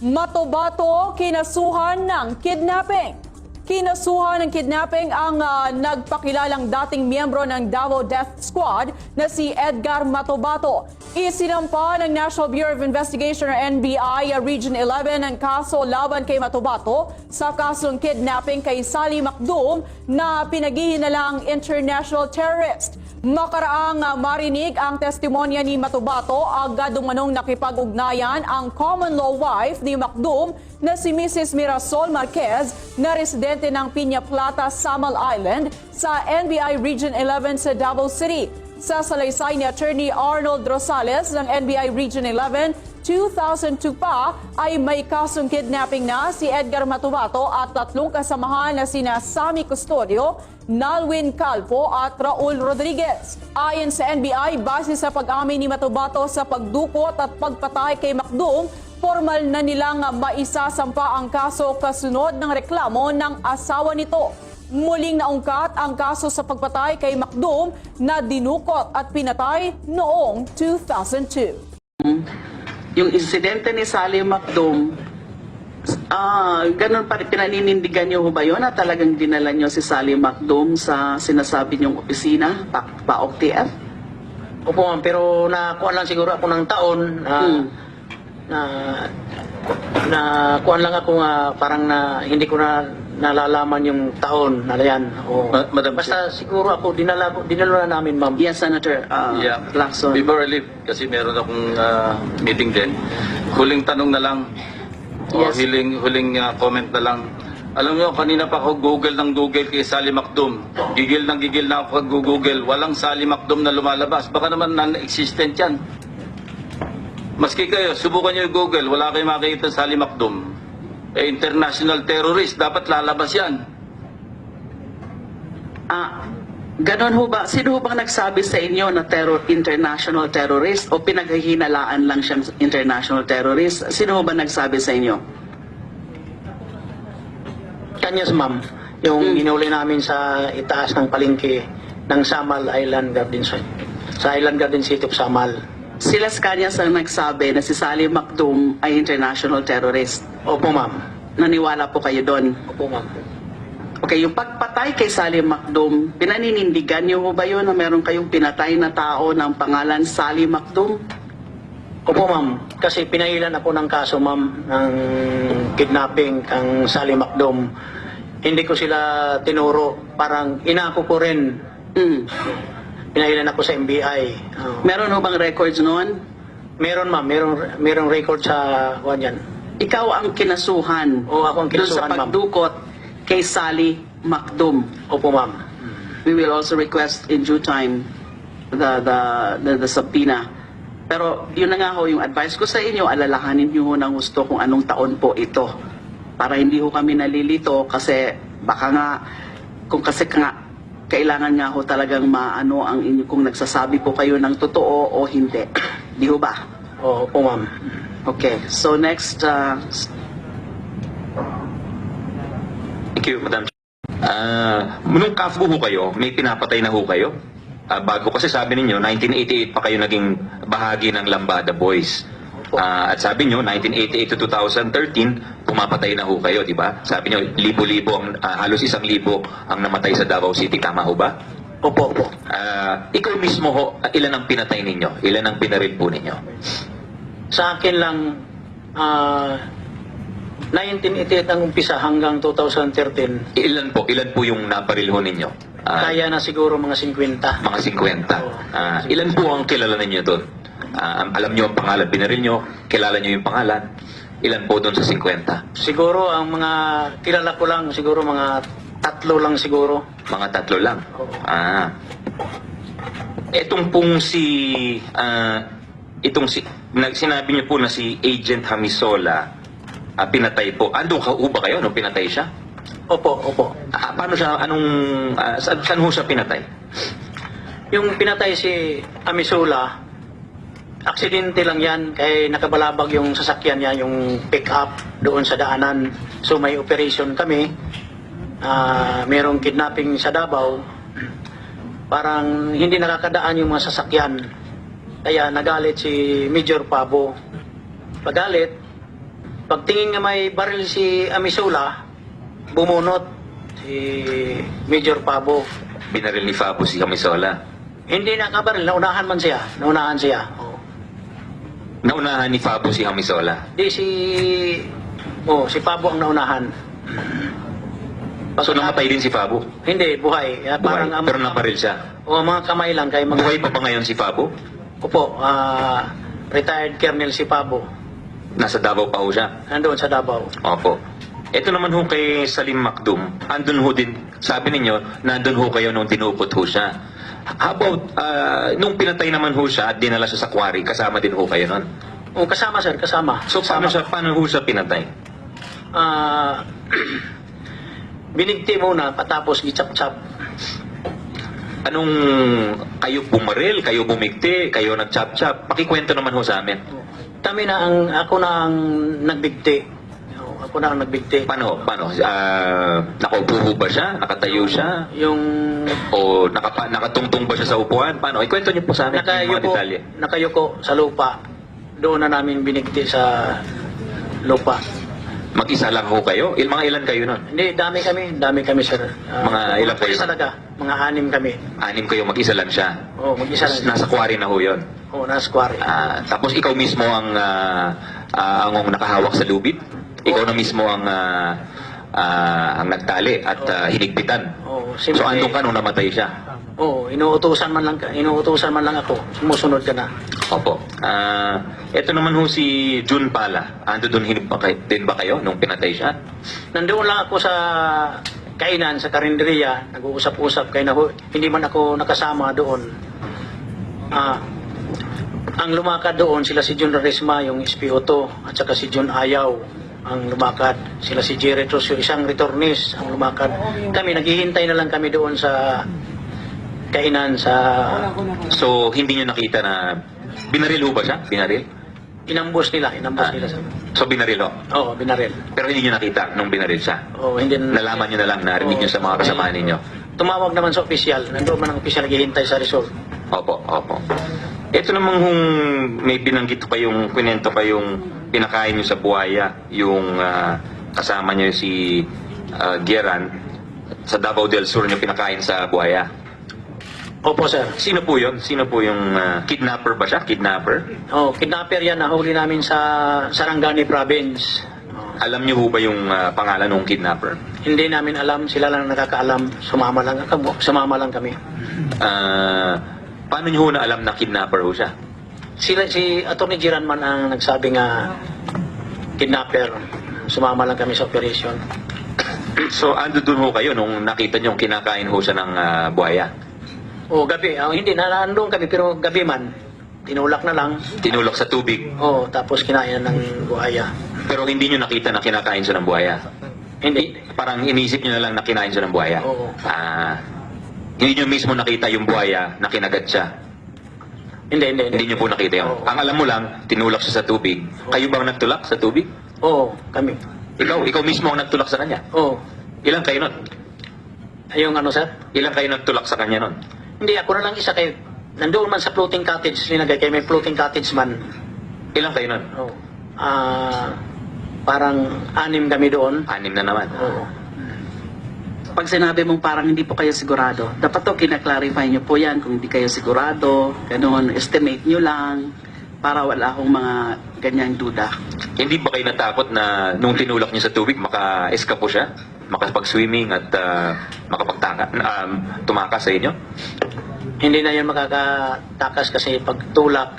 Matobato, kinasuhan ng kidnapping. Kinasuhan ng kidnapping ang nagpakilalang dating miyembro ng Davao Death Squad na si Edgar Matobato. Isinampa ng National Bureau of Investigation or NBI Region 11 ang kaso laban kay Matobato sa kasong kidnapping kay Sally Macdum na pinaghihinalang international terrorist. Makaraang marinig ang testimonya ni Matobato, agad umanong nakipag-ugnayan ang common law wife ni Macdum na si Mrs. Mirasol Marquez na residente ng Piña Plata, Samal Island sa NBI Region 11 sa Davao City. Sa salaysay ni Attorney Arnold Rosales ng NBI Region 11, 2002 pa ay may kasong kidnapping na si Edgar Matobato at tatlong kasamahan na sina Sammy Custodio, Nalwin Calpo at Raul Rodriguez. Ayon sa NBI, base sa pag-amin ni Matobato sa pagdukot at pagpatay kay Macdum, formal na nilang maisasampa ang kaso kasunod ng reklamo ng asawa nito. Muling naungkat ang kaso sa pagpatay kay Macdum na dinukot at pinatay noong 2002. Yung insidente ni Sally Macdum, ganun pa rin, pinaninindigan niyo ba yun na talagang dinala niyo si Sally Macdum sa sinasabi niyong opisina, PAOK TF? Opo ma'am, pero nakuha lang siguro ako ng taon na kuha lang ako parang hindi ko na nalalaman yung taon na yan. Madam Basta siguro ako, dinala na namin ma'am. Yes, Senator Lacson. Before I leave, kasi meron akong meeting din. Huling tanong na lang. Yes. Huling comment na lang. Alam nyo, kanina pa ako Google ng Google kay Sally Macdum. Gigil na ako pag-Google. Walang Sally Macdum na lumalabas. Baka naman non-existent yan. Maski kayo, subukan nyo yung Google. Wala kayong makikita Sally Macdum. International terrorist. Dapat lalabas yan. Ganon ho ba? Sino ho bang nagsabi sa inyo na international terrorist o pinaghihinalaan lang siyang international terrorist? Sino ho ba nagsabi sa inyo? Kanyas ma'am, yung inuli namin sa itaas ng palengke ng Samal Island Garden City. Sa Island Garden City of Samal. Sila Kanyas ang nagsabi na si Sally Macdum ay international terrorist. Opo ma'am. Naniwala po kayo doon? Opo ma'am. Okay, yung pagpatay kay Sally Macdum, pinaninindigan niyo ba yun na meron kayong pinatay na tao ng pangalan Sally Macdum? Opo ma'am, kasi pinailan ako ng kaso ma'am ng kidnapping kang Sally Macdum. Hindi ko sila tinuro, parang inako ko rin. Pinailan ako sa NBI. Meron ho bang records noon? Meron ma'am, merong record sa yan. Ikaw ang kinasuhan. O ako ang doon sa kinasuhan ma'am. pagdukot kay Sally Macdum. Opo ma'am. We will also request in due time the subpoena. Pero yun na nga ho, yung advice ko sa inyo, alalahanin niyo ho ng gusto kung anong taon po ito. Para hindi ho kami nalilito kasi baka nga, kailangan nga ho talagang maano ang inyo kung nagsasabi po kayo ng totoo o hindi. Di ho ba? Opo ma'am. Okay, so next, Thank you, Madam. Nung kafbo ho kayo, may pinapatay na ho kayo? Bago kasi sabi ninyo, 1988 pa kayo naging bahagi ng Lambada Boys. At sabi nyo, 1988 to 2013, pumapatay na ho kayo, di ba? Sabi nyo, libo-libo, halos 1,000 ang namatay sa Davao City. Tama ho ba? Opo. Ikaw mismo ho, ilan ang pinatay ninyo? Ilan ang pinaril po ninyo? Sa akin lang, 1988 ang umpisa hanggang 2013. Ilan po yung naparil ho ninyo? Kaya na siguro mga 50. Mga 50. Ilan po ang kilala ninyo doon? Alam nyo ang pangalan, binaril nyo, kilala nyo yung pangalan. Ilan po doon sa 50? Siguro ang mga kilala ko lang, siguro mga 3 lang siguro. Mga 3 lang? Etong pong sinabi nyo po na si Agent Hamisola, pinatay po. Andun ka ba kayo nung pinatay siya? Opo. Paano siya, saan ho siya pinatay? Yung pinatay si Amisula, aksidente lang yan, kaya nakabalabag yung sasakyan niya, yung pick-up doon sa daanan. So may operation kami, merong kidnapping sa Davao, parang hindi nakakadaan yung mga sasakyan. Kaya nagalit si Major Pabo. Pagalit, Pagtingin nga may baril si Amisula, bumunot si Major Pabo. Binaril ni Fabo si Camisola. Hindi nakabaril, naunahan man siya. Naunahan siya. Oh. Naunahan ni Fabo si Camisola. Di si Pabo ang naunahan. So namatay din si Fabo. Hindi, buhay. Buhay. Parang Pero naparil siya. O mga kamay lang kay mga Buhay pa ba ngayon si Fabo? Opo, retired Colonel si Pabo. Nasa Davao pa ho siya. Nandoon sa Davao. Opo. Ito naman ho kay Salim Macdum, andun ho din, sabi ninyo, nandun ho kayo nung tinupot ho siya. How about, nung pinatay naman ho siya at dinala siya sa quarry, kasama din ho kayo nun? O, kasama sir, kasama. So paano ho siya pinatay? Binigti muna, patapos gichap-chap. Anong, kayo bumaril, kayo bumigti, kayo nag-chop-chop? Pakikwento naman ho sa amin. Ako na ang nagbigti. Ako na ang nagbigti. Paano? Nakaupo ho ba siya? Nakatayo siya? Yung O nakatungtong ba siya sa upuan? Paano? Ikwento niyo po sa amin yung mga detalye. nakayuko sa lupa. Doon na namin binigti sa lupa. Mag-isa lang ho kayo? Mga ilan kayo nun? Hindi, dami kami sir. Mga ilang kayo? pulis talaga, mga 6 kami. 6 kayo, mag-isa lang siya. Oo, mag-isa lang. Nasa quarry na ho yun. Oo, nasa quarry. Tapos ikaw mismo ang nakahawak sa lubid? Ikaw na mismo ang nagtali at hinigpitan? Oo, So andun ka nung namatay siya? Oo, inuutusan man lang ako. Sumusunod ka na. Opo. Ito naman ho si June Pala. Ando doon din ba kayo nung pinatay siya? Nandoon lang ako sa kainan, sa karinderiya. Nag-uusap-usap. Hindi man ako nakasama doon. Ang lumakad doon, sila si Jun Resma, yung SPO2, at saka si Jun Ayaw ang lumakad. Sila si Jerry Trus, yung isang returnees ang lumakad. Kami, naghihintay na lang kami doon sa kainan sa... So hindi nyo nakita na binaril ho ba siya? Binaril? Inambos nila sa... So binaril ho? Oo, binaril. Pero hindi nyo nakita nung binaril siya? Oo, hindi... Nalaman nyo na lang, narinig nyo sa mga kasama ninyo? Tumawag naman sa opisyal. Nandoon man ang opisyal naghihintay sa result. Opo. Ito namang may binanggit pa yung kwento pa yung pinakain nyo sa buhaya, yung kasama nyo si Geran, sa Davao del Sur nyo pinakain sa buhaya. Opo, sir. Sino po yun? Sino po yung kidnapper ba siya? Kidnapper? Oh, kidnapper yan. Nahuli namin sa Sarangani Province. Alam niyo ho ba yung pangalan ng kidnapper? Hindi namin alam. Sila lang nakakaalam. Sumama lang kami. Paano niyo ho na alam na kidnapper ho siya? Si Atty. Giranman ang nagsabi nga kidnapper. Sumama lang kami sa operation. So, ando dun ho kayo nung nakita niyo kinakain ho siya ng buhaya? O, gabi. Hindi, nandun kami pero gabi man. Tinulak na lang. Tinulak sa tubig? O, tapos kinain ng buhaya. Pero hindi niyo nakita na kinakain siya ng buhaya? Hindi. Parang inisip niyo na lang na kinain siya ng buhaya? Oo. Hindi niyo mismo nakita yung buhaya na kinagat siya? Hindi. Hindi niyo po nakita yun? Oo. Ang alam mo lang, tinulak siya sa tubig. Kayo bang nagtulak sa tubig? Oo, kami. Ikaw mismo ang nagtulak sa kanya? Oo. Ilan kayo nun? Yung ano, sir? Ilan kayo nagtulak sa kanya nun? Hindi, ako na lang isa kay... Nandoon man sa floating cottage, linagay kay may floating cottage man. Ilan kayo nun? Oo. Parang 6 kami doon. 6 na naman. Oo. Pag sinabi mong parang hindi po kayo sigurado, dapat to kinaklarify nyo po yan kung hindi kayo sigurado, ganun, estimate nyo lang, para wala akong mga ganyang duda. Hindi ba kayo natakot na nung tinulak niyo sa tubig, maka-escape siya? Makapag-swimming at tumakas sa inyo? Hindi na yun makakatakas kasi pag tulak,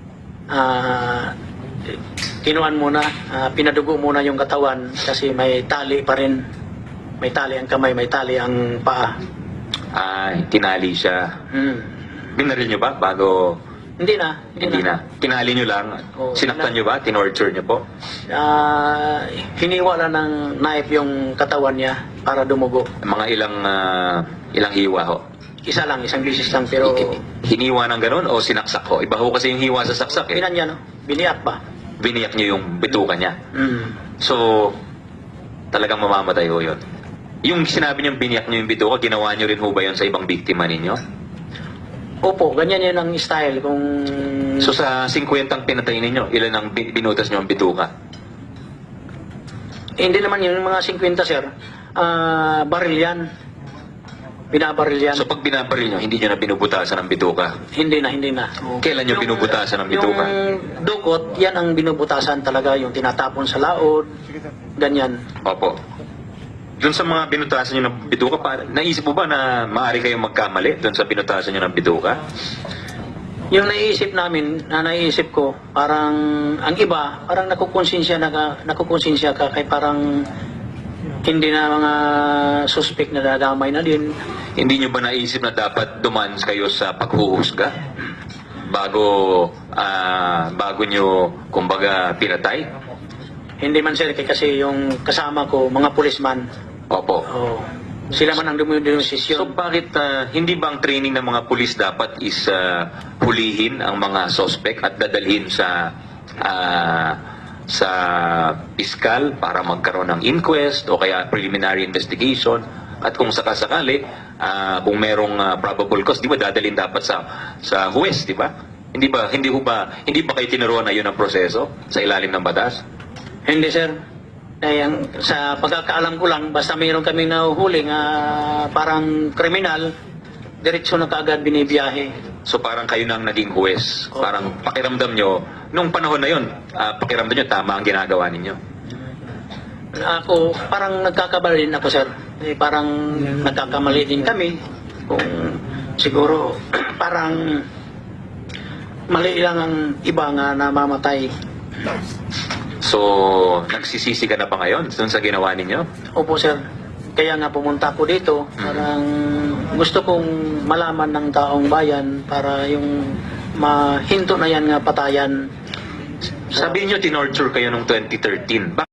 kinuan muna, pinadugo muna yung katawan kasi may tali pa rin. May tali ang kamay, may tali ang paa. Tinali siya. Binaril niyo ba bago... Hindi na. Tinali niyo lang. Oo, Sinaktan niyo ba? Tinorture niyo po? Hiniwa lang ng knife yung katawan niya para dumugo. Mga ilang hiwa ho? Isang bisis lang pero Hiniwa ng ganun o sinaksak ho? Iba ho kasi yung hiwa sa saksak eh. pinan niya, no? Biniyak ba? Biniyak niyo yung bituka niya. So, talagang mamamatay ho yun. Yung sinabi niyong biniyak niyo yung bituka, ginawa niyo rin ho ba yun sa ibang biktima ninyo? Opo, ganyan yun ang style kung... So sa 50 ang pinatay ninyo, ilan ang binutas niyo ang bituka? Hindi naman yun, yung mga 50 sir, baril yan. Binabaril yan. So pag binabaril nyo, hindi nyo na binubutasan ng bituka. Hindi na. Kailan nyo binubutasan ng bituka? Yung dukot, yan ang binubutasan talaga, yung tinatapon sa laod, ganyan. Opo. Doon sa mga binutasan nyo ng bituka, naisip mo ba na maaari kayong magkamali doon sa binutasan nyo ng bituka? Yung naisip ko, parang, ang iba, parang nakukonsensya ka, kay parang, hindi na mga suspect na dadamay na din. Hindi nyo ba naisip na dapat dumaan kayo sa paghuhusga? Bago nyo, kumbaga, pinatay? Hindi man sir, kasi yung kasama ko, mga pulisman, Opo. sila man ang So dumidesisyon. bakit hindi ba ang training ng mga pulis dapat is hulihin ang mga suspect at dadalhin sa piskal para magkaroon ng inquest o kaya preliminary investigation, at kung sakasakali kung merong probable cause, di ba dadalhin dapat sa huwes, di ba? Hindi ba kayo tinuruan na yun ang proseso sa ilalim ng batas? Hindi sir. Sa pagkakaalam ko lang, basta mayroon kaming nahuhuling parang kriminal, diretso na kaagad binibiyahe. So parang kayo na ang naging huwes. Parang pakiramdam nyo, nung panahon na yun, pakiramdam nyo tama ang ginagawa ninyo. Ako, parang nagkakamali din ako sir. Parang nagkakamali din kami. Kung siguro, parang mali lang ang iba nga namamatay. So, nagsisisi ka na ba ngayon dun sa ginawa ninyo? Opo sir. Kaya nga pumunta ako dito, parang gusto kong malaman ng taong bayan para yung mahinto na yan nga patayan. Sabi niyo tinorture kayo noong 2013.